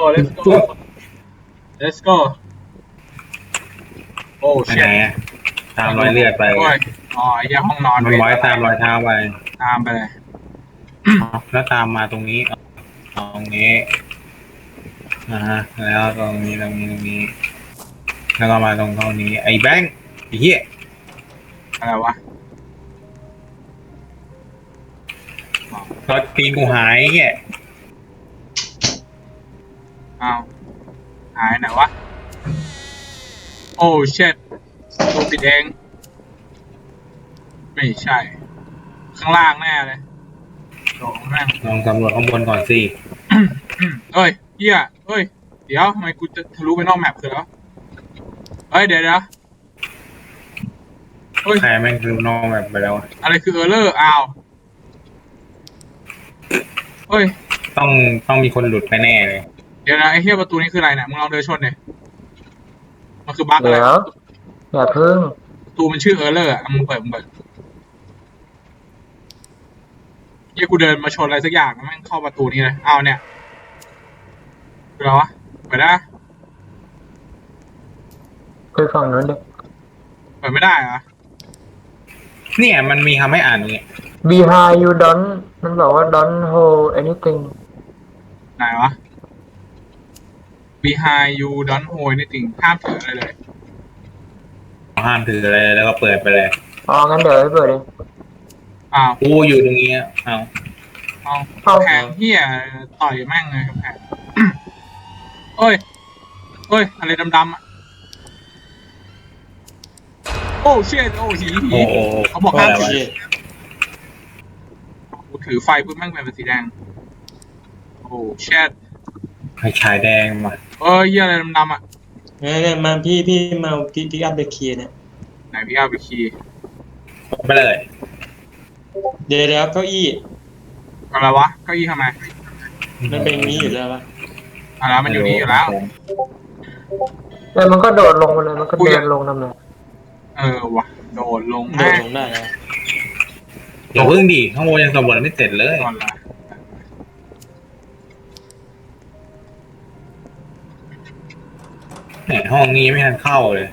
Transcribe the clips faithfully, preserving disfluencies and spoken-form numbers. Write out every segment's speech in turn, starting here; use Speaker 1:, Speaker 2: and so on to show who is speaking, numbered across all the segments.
Speaker 1: let's go let's go โอ้เชี่ย
Speaker 2: ตามรอยเลือดไป
Speaker 1: อ๋อไอ้ยังห้องนอน
Speaker 2: มันไว้ตามรอยเท้าไป
Speaker 1: ตามไปเลย
Speaker 2: แล้วตามมาตรงนี้ตรงนี้นะฮะแล้วตรงนี้ตรงนี้ตรงนี้แล้วก็มาตรงตรงนี้ไอ้แบงค์ไอ้เหี้ย
Speaker 1: อะไรวะ
Speaker 2: รถตีนกูหายเหี้ย
Speaker 1: อ้าวหายไหนวะโอ้เช็ดตัวปิดเองไม่ใช่ข้างล่างแน่เลยลองนั่ง
Speaker 2: ลองสำรวจข้างบนก่อนสิ
Speaker 1: เอ้ยเฮียเอ้ยเดี๋ยวทำไมกูจะทะลุไปนอกแมปคือแล้วเอ้ยเดี๋ยวเดี๋ยว
Speaker 2: เฮ้ยใครแม่งทะลุนอกแมปไปแล้ว
Speaker 1: อะไรคือเออร์เลอร์อ้าวเฮ้ย
Speaker 2: ต้องต้องมีคนหลุดไปแน่เลย
Speaker 1: เดี๋ยวนะไอ้เฮียประตูนี้คืออะไรเนี่ยมึงลองเดินชนเลยมันคือบั๊กอะไร
Speaker 3: อย่าเพิ่ง
Speaker 1: ประตูมันชื่อเออร์เลอร์อ่ะมึงเปิดมึงเปิดเฮียกูเดินมาชนอะไรสักอย่างแม่งเข้าประตูนี้เลยอ้าวเนี่ยคืออะไรวะเปิดได้
Speaker 3: ไปฝั่งนั้นดิ
Speaker 1: เปิดไม่ได้เหรอ
Speaker 2: เนี่ยมันมีทำให้อ่านอย่างเงี้ย
Speaker 3: behind you don't มันบอกว่า don't hold anything
Speaker 1: ไหนวะ behind you don't hold anything ห้ามถืออะไรเลย
Speaker 2: ห้ามถืออะไรแล้วก็เปิดไปเลย
Speaker 3: อ๋องั้นเดี๋ยวให้เปิดเอง
Speaker 1: อ้าว
Speaker 2: กูอยู่ตรงนี้อ้าว
Speaker 1: เอาแผงเหี้ยต่อยแม่งเลยแผงเอ้ยเอ้ยอะไรดำๆอ่ะโอ้เชี่ยโอ้หีหีเขาบอกห้ามถือกูถือไฟปุ๊บแม่งเป็นสีแดงโอ้เชี่ย
Speaker 2: ไฟฉายแดงมา
Speaker 1: เอ้ยเหี้ยอะไรดำๆอ่ะ
Speaker 4: เนี่ยมาพี่พี่มาพี่พี่อัพเดอะคีย์เนี่ย
Speaker 1: ไหนพี่อัพเดอะคีย์
Speaker 2: ไปเลย
Speaker 4: เดี๋ยวเดี๋ยวเก้าอี้
Speaker 1: อะไรวะเก้าอี้ทำไม
Speaker 4: มันเป็นนี้อยู่แล้วปะ
Speaker 1: อะไรมันอยู่นี่อยู่แล้ว
Speaker 3: แล้วมันก็โดดลงมาเลยมันก็เดินลงนั่นเลย
Speaker 1: เออวะโดดลง
Speaker 4: โดดลงได้
Speaker 2: เดี๋ยวเพิ่งดิข้างบนยังสำรวจไม่เสร็จเลยเนี่ยห้องนี้ไม่ทันเข้าเลย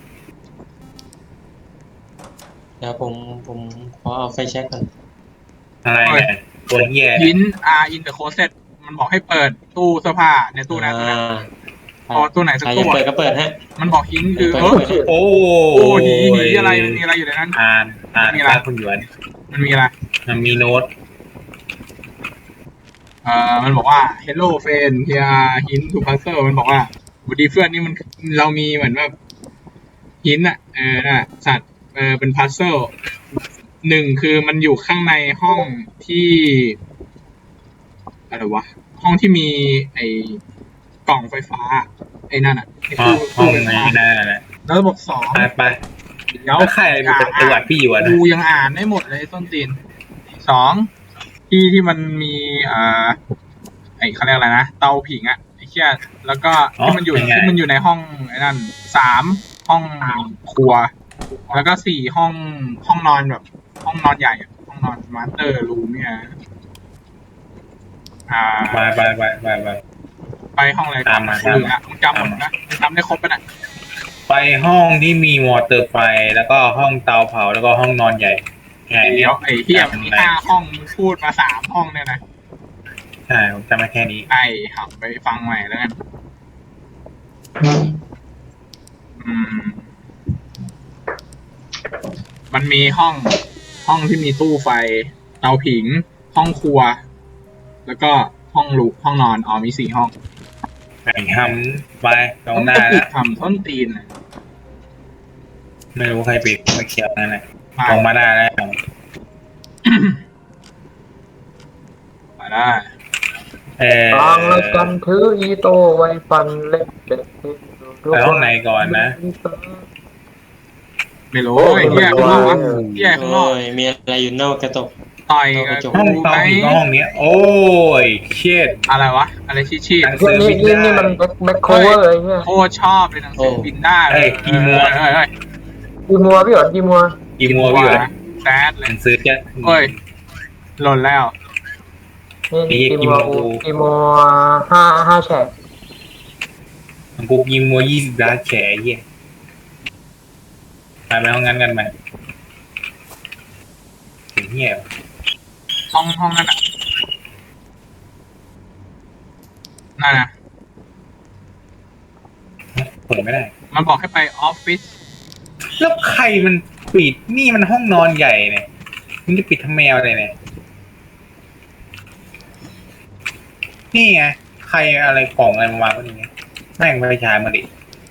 Speaker 4: เดี๋ยวผมผมขอเอาไฟแช็กก่อน
Speaker 2: อะไรเนี่ยตัวเหี้ย
Speaker 1: หิน R in the closet มันบอกให้เปิดตู้เสื้อผ้าในตู้นั้นพอตู้ไหนสักตู้
Speaker 4: เปิดก็เปิดฮะ
Speaker 1: มันบอกหินคือ
Speaker 2: โอ้
Speaker 1: โอ้หีหีอะไรมันมีอะไรอยู่ในนั้น
Speaker 2: อ่านอ่านมีอะไรคุณหยวน
Speaker 1: มันมีอะไร
Speaker 2: มันมีโน้ต
Speaker 1: เอ่อมันบอกว่า hello friend here hint to puzzle มันบอกว่าวันดีเพื่อนนี่มันเรามีเหมือนแบบหินอ่ะเออน่ะสัตว์เออเป็น puzzle หนึ่งคือมันอยู่ข้างในห้องที่อะไรวะห้องที่มีไอ้กล่องไฟฟ้าไอ้นั่นอ่ะไอ้ตู้
Speaker 2: ตู้ไฟฟ้า
Speaker 1: แล้วบอกสอง
Speaker 2: ไปไป
Speaker 1: เดี๋ยว
Speaker 2: ใครมีประวัติพี่อยู่อ่ะ
Speaker 1: กูยังอ่านไม่หมดเลยต้นตีนสองที่ที่มันมีอ่าไอ้เขาเรียกอะไรนะเตาผิงอ่ะไอ้เชี่ยแล้วก็ที่มันอยู่ที่มันอยู่ในห้องไอ้นั่นสามห้องครัวแล้วก็สี่ห้องห้องนอนแบบห้องนอนใหญ่ห้องนอนมาสเตอร์รูมเนี่ยอ่า
Speaker 2: ไปไปไปไปไป
Speaker 1: ไปห้องอะไร
Speaker 2: ตามมาตามมา
Speaker 1: จำหมดนะจำได้ครบปะเนี่ย
Speaker 2: ไปห้องที่มีมอเตอร์ไฟแล้วก็ห้องเตาเผาแล้วก็ห้องนอนใหญ่
Speaker 1: ไงเดี๋ยวไอ้เหี้ยมันมีห้าห้องพูดมาสามห้องเนี่ยนะ
Speaker 2: ใช่ผมจำได้แค่นี้
Speaker 1: ไอ้หับไปฟังใหม่แล้วกันอืมมันมีห้องห้องที่มีตู้ไฟเตาผิงห้องครัวแล้วก็ห้องลูกห้องนอนอ๋อมีสี่ห้อง
Speaker 2: ไอ้ทำไปตรงหน้าแล้ว
Speaker 1: ทำต้นตีน
Speaker 2: ไม่รู้ใครปิดไม่เขียวนั่นแหละลงมาได้แล้ว
Speaker 1: มาได้
Speaker 2: เออ
Speaker 3: ฟังแล้วกันถืออีโต้ไว้ฟันเล็กเด็ก
Speaker 2: ไปห้องไหนก่อนนะ
Speaker 1: ไม่รู้ไอ้เหี้ยข้างนอกวะเหี้ยข้างนอก
Speaker 4: มีอะไรอยู่นอกกระจก
Speaker 1: ต่อย
Speaker 2: ห้องเตาผิงห้องนี้โอ้ยเชี่ย
Speaker 1: อะไรวะอะไรชี้ชี้
Speaker 3: หนังสือบินได้นี่มันแบ็คโคเวอร์เลยเนี่ย
Speaker 1: โคตรชอบเลยหนังสือบินได้
Speaker 2: เฮ้ยกีมัว
Speaker 1: เฮ้ยเฮ้ย
Speaker 3: กีมัวพี่หรอกีมัว
Speaker 2: กีมัวพี่หรอ
Speaker 1: แซดเลย
Speaker 2: หนังสือจะ
Speaker 1: เฮ้ยหล่นแล้ว
Speaker 3: นี่กีมัวกีมัวห้าห้าแฉก
Speaker 2: กูยิงมัวยี่สิบล้านแฉไอ้เหี้ยไปไปห้องนั้นกันไหมถึงเหี้ย
Speaker 1: ห้องห้องนั้นอ่ะนั่นนะ
Speaker 2: เปิดไม่ได้
Speaker 1: มันบอกให้ไปออฟฟิศ
Speaker 2: แล้วใครมันปิดนี่มันห้องนอนใหญ่เนี่ยมึงจะปิดทำแมวอะไรเนี่ยนี่ไงใครอะไรกล่องอะไรมาวางก็นี่ไงแม่งไปฉายมาดิ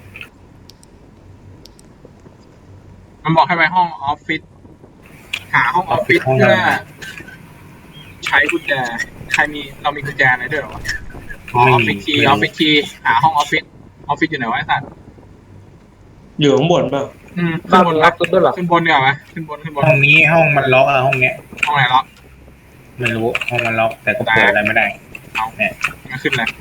Speaker 1: มันบอกให้ไปห้องออฟฟิศหาห้องออฟฟิศเพื่อใช้กุญแจใครมีเรามีกุญแจอะไรด้วยเหรอวะออฟฟิศคีย์ออฟฟิศคีย์หาห้องออฟฟิศออฟฟิศอยู่ไหนวะไอ้สัตว์
Speaker 4: อยู่ข้างบนเปล่า
Speaker 1: อืม
Speaker 3: บ้า
Speaker 1: ขึ้
Speaker 3: น
Speaker 1: นบน
Speaker 3: มีออฟฟิศด้วยเหรอ
Speaker 1: ขึ้นบนดีกว่าไหมขึ้นบนขึ้นบน
Speaker 2: ห้องนี้ห้องมันล็อกอะห้องเนี้ย
Speaker 1: ห้องไหนล็อก
Speaker 2: ไม่รู้ห้องมันล็อกแต่ก็เปิดอะไรไม่ได้
Speaker 1: เอา
Speaker 2: เนี่ย
Speaker 1: มาขึ้นเลย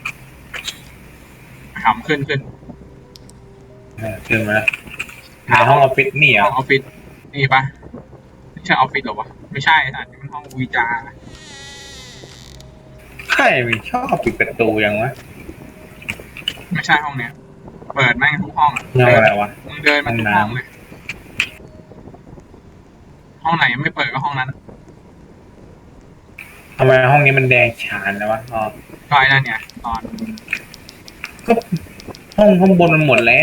Speaker 1: หำขึ้นขึ้น
Speaker 2: เออขึ้นมาแล้วในห้องออฟฟิศนี่เหร
Speaker 1: ห้
Speaker 2: อ่ะ
Speaker 1: องออฟฟิศนี่ปะไม่ใช่ออฟฟิศหรอวะไม่ใช่ไอ้สัตว์นี่มันห้องวีจา
Speaker 2: ใครมันชอบปิดประตูยังวะ
Speaker 1: ไม่ใช่ห้องเนี้ยเปิดแม่งทุกห้องอะ
Speaker 2: เงาอะไรวะ
Speaker 1: มึงเดินมาทุกห้องเลยห้องไหนยังไม่เปิดก็ห้องนั้น
Speaker 2: ทำไมห้องนี้มันแดงฉานแล้ววะอ๋อ
Speaker 1: ก็ไอ้นั่นเนี่ยตอน
Speaker 2: ก็ห้องข้างบนมันหมดแล้ว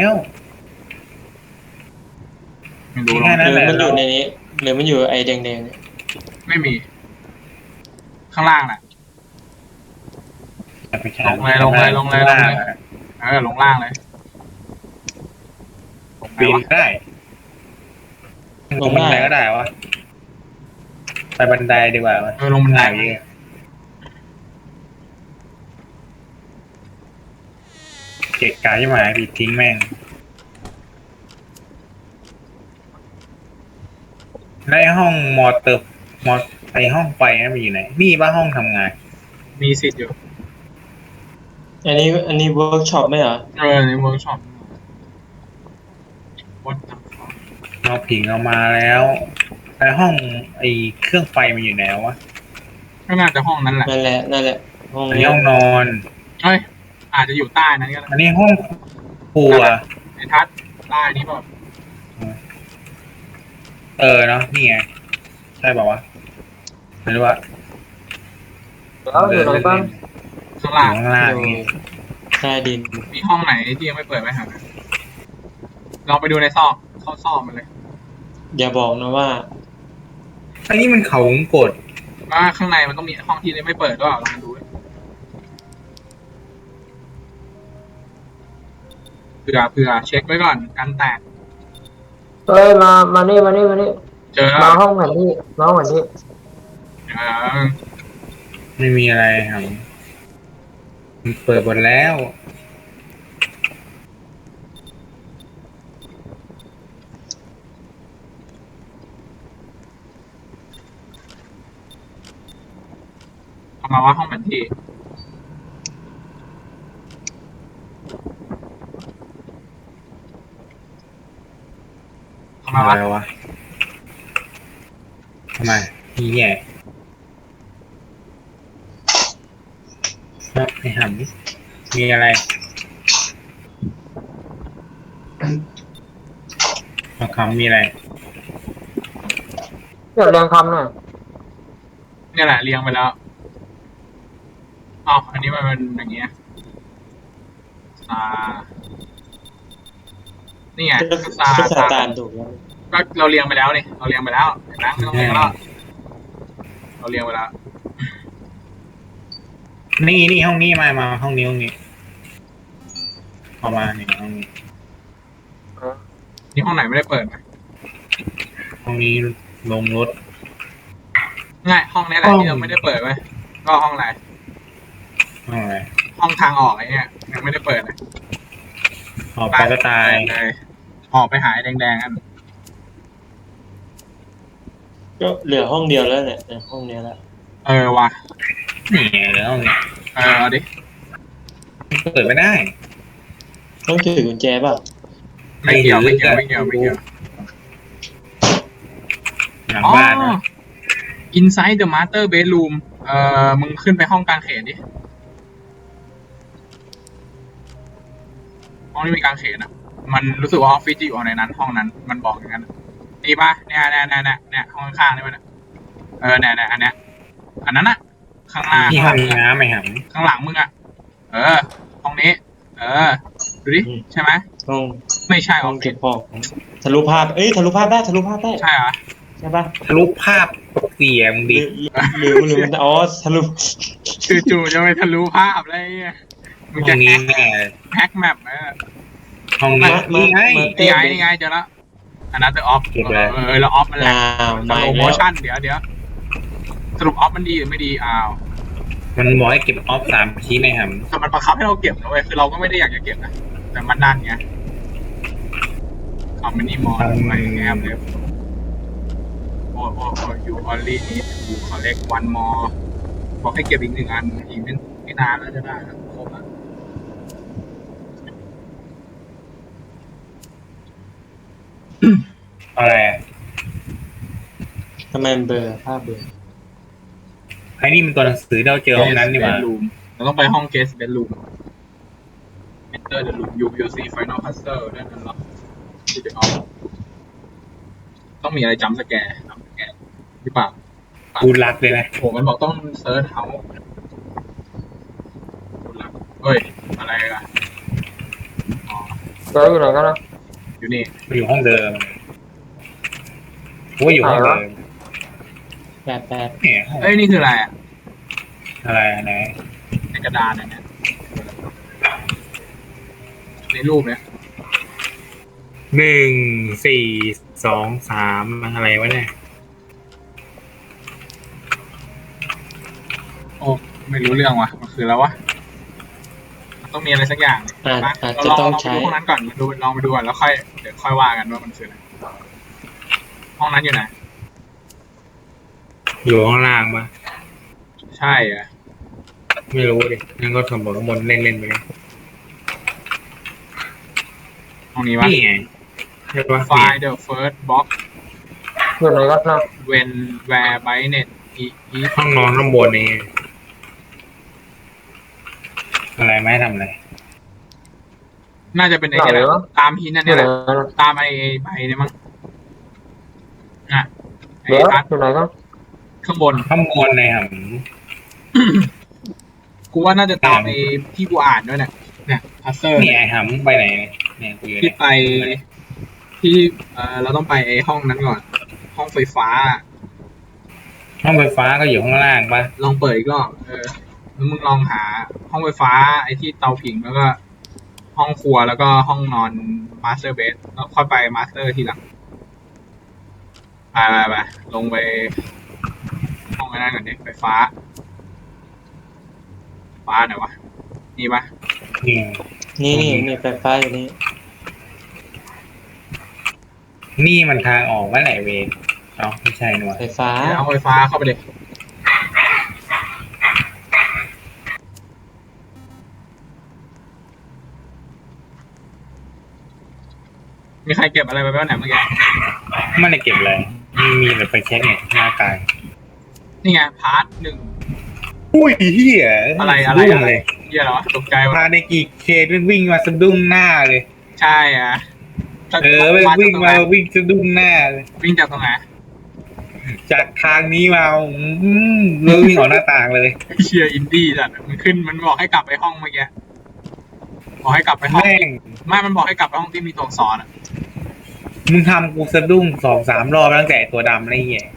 Speaker 1: ไม่รู้หร
Speaker 2: แค่
Speaker 1: อก
Speaker 2: นั้น
Speaker 4: ห
Speaker 2: แห
Speaker 4: รือ
Speaker 2: ละ
Speaker 4: มันอยู่ในนี้หรือมันอยู่ไอ้แดงๆเนี่ย
Speaker 1: ไม่มี ข้างล่างน่ะ
Speaker 2: ไปฉา
Speaker 1: ลงเลยลงเลยลงเลยลงเลย เออลงล่างเลยลงไหน
Speaker 2: ปีน
Speaker 1: วะ
Speaker 2: ได้ลงบันไดก็ได้วะไปบันไดดีกว่าวะ
Speaker 1: เออลงบันได
Speaker 2: เยอะเกะกะยิ่งหมายปิดทิ้งแม่งในห้องมอเตอร์มอไอห้องไฟนั้นมันอยู่ไหนนี่ป่ะห้องทำงาน
Speaker 1: มีสิทธิ์อยู่
Speaker 4: อันนี้อันนี้เวิร์กช็อปไหมเหรอ
Speaker 1: เออในเวิร์กช็อปวัด
Speaker 2: เอาผิงเอามาแล้วไอห้องไอเครื่องไฟมันอยู่ไหนวะ
Speaker 1: ก็น่าจะห้องนั้นแหละ
Speaker 4: นั่นแหละนั่นแหละห้อง
Speaker 2: อันนี้
Speaker 4: นี้
Speaker 2: ห้องนอน
Speaker 1: เฮ้ยอาจจะอยู่ใต้นั้นก็ได้
Speaker 2: อันนี้ห้องครัว
Speaker 1: ไอ้ทัศน์ใต้นี้เปล่า
Speaker 2: เออเนาะนี่ไงใช่ป่าวะไม่รู้ว่า
Speaker 3: แล้วอยู่ไหนบ้าง
Speaker 1: ข้าง
Speaker 2: อ
Speaker 1: ล่าง
Speaker 2: ยู่ข้างล่าง
Speaker 4: อยู่
Speaker 2: นี่
Speaker 4: ใต้ดิน
Speaker 1: มีห้องไหนที่ยังไม่เปิดไหมครับลองไปดูในซอกเข้าซอกมันเลย
Speaker 4: อย่าบอกนะว่า
Speaker 2: อันนี้มันเขาวงกด
Speaker 1: ว่าข้างในมันต้องมีห้องที่ยังไม่เปิดด้วยลองดูเผื่อเผื่อเช็คไว้ก่อนกันแตก
Speaker 3: เฮ้ยมามานี่มานี่มานี่
Speaker 1: เจอ
Speaker 3: มาห้องแผนที่มาห้องแผนที่
Speaker 1: เออ
Speaker 2: ไม่มีอะไรครับมันเปิดหมดแล้ว
Speaker 1: เอามาว่าห้องแผนที่เอามา
Speaker 2: อะ
Speaker 1: ว่า
Speaker 2: ไรวะทำไมนี่แย่เนาะไอ้หำมีอะไรเอาคำมีอะไร
Speaker 3: เดี๋ยวเรียงคำหน่อย
Speaker 1: เนี่ยแหละเรียงไปแล้วอ๋ออันนี้มันเป็นอย่างเงี้ยอ่านี่ไง
Speaker 4: ก็
Speaker 1: ซา
Speaker 4: ก็
Speaker 1: ซา
Speaker 4: ตามถูกแล้ว
Speaker 1: ก็เราเรียงไปแล้วนี่เราเรียงไปแล้วเห็นไหมไม่ต้องเรียงแล้วเราเรียงไปแล้ว
Speaker 2: นี่นี่ห้องนี้มามาห้องนี้ห้องนี้เอามานี่ห้องนี้
Speaker 1: นี่ห้องไหนไม่ได้เปิดไหม
Speaker 2: ห้องนี้ลงรถ
Speaker 1: ง่ายห้องนี้แหละ
Speaker 2: ห้อง
Speaker 1: ที่เราไม่ได้เปิดไว้ก็ห้องไหน
Speaker 2: ห้องอะไร
Speaker 1: ห้องทางออกไอ้เนี่ยยังไม่ได้เปิดเลย
Speaker 2: ออกไปก็ตาย
Speaker 1: เลยออกไปหายแดงๆกัน
Speaker 4: ก็เหลือห้องเดียวแล้วเนี่ยเนี่ยห้องเนี้ยแหละ
Speaker 1: เออว่ะ
Speaker 2: นี่ไงแล้วห้องนี้
Speaker 1: เออเอาดิ
Speaker 2: เปิดไม่ได้
Speaker 4: ต้องถือกุญแจป่ะ
Speaker 1: ไม่เกี่ยวไม่เกี่ยวไม่เกี่ยวไม่เกี่ยว
Speaker 2: หลัง
Speaker 1: อ๋อ
Speaker 2: บ้านนะ
Speaker 1: Inside the Master Bedroom เอ่อมึงขึ้นไปห้องกลางเขนดิห้องที่มีกางเขนอ่ะมันรู้สึกว่าออฟฟิศจะอยู่ในนั้น ห้องนั้นมันบอกอย่างนั้นนี่ปะเนี่ยเนี่ยเนี่ยเนี่ยเนี่ยห้องข้างๆนี่มันเออเนี่ยเนี่ยอันเนี้ยอันนั้นอะข้างหน้า
Speaker 2: ที่
Speaker 1: ข้าง
Speaker 2: ห้
Speaker 1: ห
Speaker 2: อง
Speaker 1: ลังมึงอะ
Speaker 2: น้ำไหมครับ
Speaker 1: ข้างหลังมึงอะเออห้องนี้ เออดูดิใช่ไหม
Speaker 4: ห้อง
Speaker 1: ไม่ใช่อ
Speaker 4: ห้
Speaker 1: อ
Speaker 4: อง
Speaker 1: ฟฟิ
Speaker 4: เก็
Speaker 1: ศ
Speaker 4: บของทะลุภาพเอ้ยทะลุภาพได้ทะลุภาพได้
Speaker 1: ใช่เหรอ
Speaker 4: ใช่ปะ
Speaker 2: ทะลุภาพเสียง
Speaker 4: หรื
Speaker 2: ดิ
Speaker 4: อหรือหรือมันอ๋อทะลุ
Speaker 1: จู่ๆจะไปทะลุภาพอะไรเงี้ยมึง
Speaker 2: ห้
Speaker 1: จะ
Speaker 2: อง
Speaker 1: แฮ
Speaker 2: นี้
Speaker 1: ก
Speaker 2: แน่
Speaker 1: แฮกแมปเออ
Speaker 2: ห้องนี้นี่ไง
Speaker 1: นี่ไงนี่ไงเจอแล้วอันนั้นเดอออฟ
Speaker 2: เก็บเลย
Speaker 1: เออแล้วออฟมันแหละ
Speaker 4: อ้าว
Speaker 1: ส
Speaker 4: มา
Speaker 1: โล
Speaker 4: อีก
Speaker 1: โม
Speaker 4: แล้ว
Speaker 1: ชั่นเดี๋ยวเดี๋ยวสรุปออฟมันดีหรือไม่ดีอ้าว
Speaker 2: มันบอกให้เก็บออฟสามชิ้นไหมครับ
Speaker 1: แต่มันบังคับให้เราเก็บนะเว้ยคือเราก็ไม่ได้อยากจะเก็บนะแต่มันดันไงเอามินิมอลไปแอบเลยโอ้โอ้โอ้ you only need to collect one more บอกให้เก็บอีกหนึ่งอันอีกไม่ไม่นานแล้วจะได้แล้วครบแล้ว
Speaker 2: อะไรอะ
Speaker 4: ทำไมมันเบลอภาพเบลอ
Speaker 2: ไอ้นี่มันตัวหนังสือที่เราเจอห้องนั้นนี่หว่า
Speaker 1: Guest bedroom เราต้องไปห้อง guest bedroom enter the room you will see final puzzle ด้วยนั่นหรอที่จะเอาต้องมีอะไรจำสแกร์จำสแกร์หรือเปล่า
Speaker 2: กูรักเลยนะ
Speaker 1: โหมันบอกต้องเซิร์ชเฮาเฮ้ย อะไรกันอ๋อ
Speaker 3: เดี๋ยวอยู่ไหนกันนะ
Speaker 1: อยู่นี่
Speaker 2: มันอยู่ห้องเดิมโอ้ยอยู่ห้องเดิม
Speaker 4: แปดแปด
Speaker 2: เนี่ยห้อง
Speaker 1: เอ้ย นี่คืออะไรอ่ะ
Speaker 2: อะไรไหน
Speaker 1: ในกระดานอันเนี้ยในรูปเนี้ย
Speaker 2: หนึ่งสี่สองสามอะไรวะเนี่ย
Speaker 1: โอ้ไม่รู้เรื่องว่ะมันคือแล้ววะมันต้องมีอะไรสักอย่าง
Speaker 4: อาจ
Speaker 1: มา
Speaker 4: อาจ
Speaker 1: เรา
Speaker 4: จะ
Speaker 1: ลอง
Speaker 4: ต้อง
Speaker 1: ลองไป
Speaker 4: ใช้
Speaker 1: ดูห้องนั้นก่อนดูลองไปดูก่อนแล้วค่อยเดี๋ยวค่อยว่ากันว่ามันคืออะไรห้องนั้นอยู่ไหน
Speaker 2: อยู่ข้างล่างปะ
Speaker 1: ใช่อ่ะ
Speaker 2: ไม่รู้ดินั่นก็สมบูรณ์มนต์เล่นเล่นๆไปเลย
Speaker 1: ห้องนี้วะ
Speaker 2: นี่ไงใช่ปะ
Speaker 1: Find the first box
Speaker 3: อยู่ไหนกันนะ
Speaker 1: when where by net is
Speaker 2: ห้องนอนข้างบนนี่อะไรไม่ให้ทำอะไร
Speaker 1: น่าจะเป็นไอ้
Speaker 3: ไหน
Speaker 1: นี่แหละ
Speaker 3: วะ
Speaker 1: ตามหินนั่น
Speaker 3: อยู่
Speaker 1: เนี่ย
Speaker 3: ไห
Speaker 1: แห
Speaker 3: น
Speaker 1: ละ
Speaker 3: กันนะ
Speaker 1: ตามไอ้ใบเนี่ยมั้งอ่ะไอ้
Speaker 3: เดี๋ยว
Speaker 1: ทัด
Speaker 3: อยู่ไหนกัน
Speaker 1: ข้างบน
Speaker 2: ข้างบนในห
Speaker 1: กูว่าน่าจะตามไอ้ที่กูอ่านด้วยเนี่ยเนี่ยพัซเซอร์
Speaker 2: ำนี่ไอ้หำไปไหนเนี่ยเนี่ยกูอยู่
Speaker 1: ที่
Speaker 2: เนี่ย
Speaker 1: ไปที่เออเราต้องไปไอ้ห้องนั้นก่อน ห้องไฟฟ้า
Speaker 2: ห้องไฟฟ้าก็อยู่ข้างล่างปะ
Speaker 1: ลองเปิดอีกรอบเออแล้วมึงลองหาห้องไฟฟ้า ไอ้ที่เตาผิงแล้วก็ ห้องครัวแล้วก็ห้องนอนมาสเตอร์เบดแล้วค่อยไปมาสเตอร์ทีหลังไปไปไปลงไป ห้องไอ้นั่นก่อนดิไฟฟ้า ฟ้าไหนวะนี่ปะ
Speaker 2: นี่
Speaker 4: นี่นี่นี่ไฟฟ้าอยู่นี่
Speaker 2: นี่มันทางออกว่าไหนเวรเอ้าไม่ใช่นี่หว่า
Speaker 4: ไฟฟ้า
Speaker 1: เดี๋ยวเอาไฟฟ้าเข้าไปเลยมีใครเก็บอะไรไปบ้างเนี่ยเมื่อกี้
Speaker 2: ไม่ได้เก็บเลยมีแต่ไปเช็คเนี่ยหน้ากาย
Speaker 1: นี่ไงพาร์ทหนึ่ง
Speaker 2: อุ้ยเฮีย
Speaker 1: อะไรอะไร
Speaker 2: สดุ้ง
Speaker 1: อะไร
Speaker 2: เลย
Speaker 1: เยี่ยเหรอตกใจวะ
Speaker 2: พาในกี่เควิ่งวิ่งมาสะดุ้งหน้าเลย
Speaker 1: ใช่อ่ะ
Speaker 2: เออไปวิ่งมาวิ่งสะดุ้งหน้าเลย
Speaker 1: วิ่งจากตรงไหน
Speaker 2: จากทางนี้มาอืมเลยวิ่งออกหน้าต่างเลย
Speaker 1: เชียร์อินดี้จัดมันขึ้นมันบอกให้กลับไปห้องเมื่อกี้บอกให้กลับไปห้อง
Speaker 2: แม่ง
Speaker 1: ไม่มันบอกให้กลับไปห้องที่มีตัวอักษรอ่ะ
Speaker 2: มึงทำกูสะดุ้งสองสามรอบตั้งแต่ตัวดำอะไรเงี้ย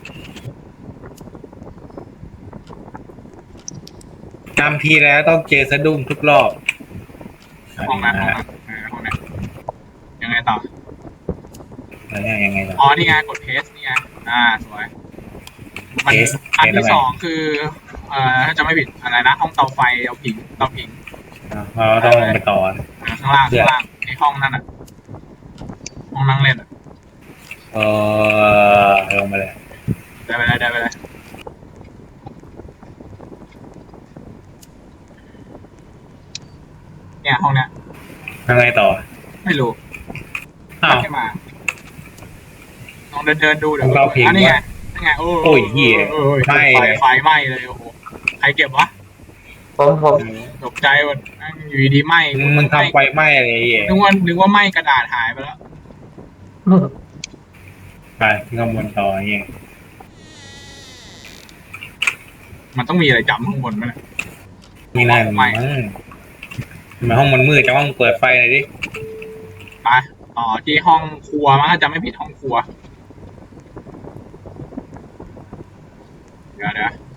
Speaker 2: จำทีแล้วต้องเจอสะดุ้งทุกรอบ
Speaker 1: ห้องนั้นห้องนั้นเออห้องนั้นยังไงต่อ
Speaker 2: แล้วยังไงล่ะ
Speaker 1: อ๋อนี่ไงกดเพสนี่ไงอ่าสวยมัน
Speaker 2: Paste
Speaker 1: อัน
Speaker 2: Paste
Speaker 1: ที่
Speaker 2: ทำไม
Speaker 1: สองคือเอ่อถ้าจะไม่ผิดอะไรนะห้องเตาไฟเตาผิงเตาผิง
Speaker 2: เราต้องลงไปต่อ
Speaker 1: อ่าข้างล่าง
Speaker 2: เดี๋
Speaker 1: ข้าง
Speaker 2: ยว
Speaker 1: ล่างในห้องนั่นอ่ะห้องนั่งเล่นอ่ะ
Speaker 2: เออลงมาเลย
Speaker 1: ได้ไปเลยได้ไปเลยเนี่ยห้องเนี้ย
Speaker 2: ยังไงต่อ
Speaker 1: ไม่รู้
Speaker 2: อ้าว
Speaker 1: แค่มาลองเดินเดินดูเดี๋ยว
Speaker 2: ห้องเตาผิง
Speaker 1: อันนี้ไงนี่ไงโอ้
Speaker 2: โอ้ยเหี้ย
Speaker 1: โอ้ย
Speaker 2: ไหม้
Speaker 1: ไฟ
Speaker 2: เลย
Speaker 1: ไฟไหม้เลยโอ้โหใครเก็บวะ
Speaker 3: ผมผม
Speaker 1: ตกใจหมดนั่งอยู่ดีๆไหม้
Speaker 2: มึงทำไฟไหม้อะไรอย่างเงี้ย
Speaker 1: นึกว่านึกว่าไหม้กระดาษหายไปแล้ว
Speaker 2: ไปขึ้นข้างบนต่ออย่างเงี้ย
Speaker 1: มันต้องมีอะไรจำข้างบนไหมเนี่ย
Speaker 2: ไม่น่าหรอกมั้งทำไมห้องมันมืดจะห้องเปิดไฟหน่อยดิ
Speaker 1: ไปต่อที่ห้องครัวมั้งถ้าจำไม่ผิดห้องครัว เดี๋ยวเดี๋ยว